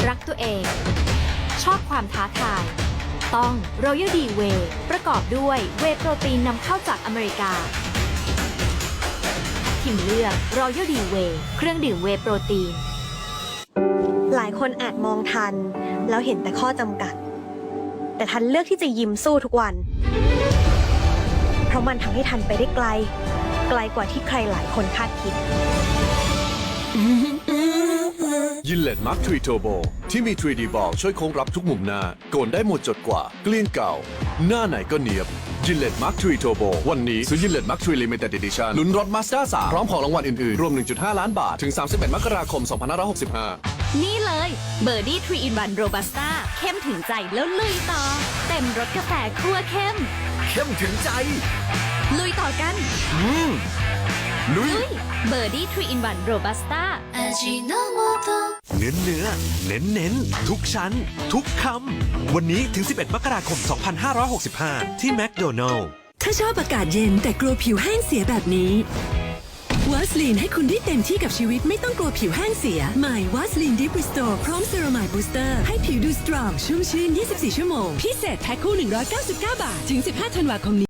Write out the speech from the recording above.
รักตัวเอง ชอบความท้าทาย ต้อง Royal D Whey ประกอบด้วยเวย์โปรตีนนำเข้าจากอเมริกาทิมเลือก Royal D Whey เครื่องดื่มเวย์โปรตีนหลายคนอาจมองทันแล้วเห็นแต่ข้อจำกัด แต่ทันเลือกที่จะยิ้มสู้ทุกวัน เพราะมันทำให้ทันไปได้ไกล ไกลกว่าที่ใครหลายคนคาดคิดยินเลตมาร์คทรีโทโบที่มี 3D บอลช่วยโค้งรับทุกมุมหน้าโกนได้หมดจดกว่าเกลี้ยงเก่า หน้าไหนก็เนียบยินเลตมาร์คทรีโทโบวันนี้ซื้อยินเลตมาร์คทรีลิมิเต็ด e d ดิชั่นลุ้นรถมาสด้า3พร้อมของรางวัลอื่นๆ รวม 1.5 ล้านบาท ถึง 31 มกราคม 2565 นี่เลยเบอร์ดี้3 in 1 Robusta เข้มถึงใจแล้วลุยต่อ เต็มรสกาแฟคั่วเข้มเข้มถึงใจลุยต่อกันลุยเบอร์ดี้3 in 1 Robusta เนื้อเน้นทุกชั้น ทุกคำ วันนี้ถึง 11 มกราคม 2565 ที่แมคโดนัลล์ถ้าชอบอากาศเย็นแต่กลัวผิวแห้งเสียแบบนี้วาสลีนให้คุณได้เต็มที่กับชีวิตไม่ต้องกลัวผิวแห้งเสียใหม่วาสลีนดิฟริสโตร์พร้อมเซรามายบูสเตอร์ให้ผิวดูสตรองชุ่มชื้น 24 ชั่วโมงพิเศษแพ็คคู่ 199 บาท ถึง 15 ธันวาคมนี้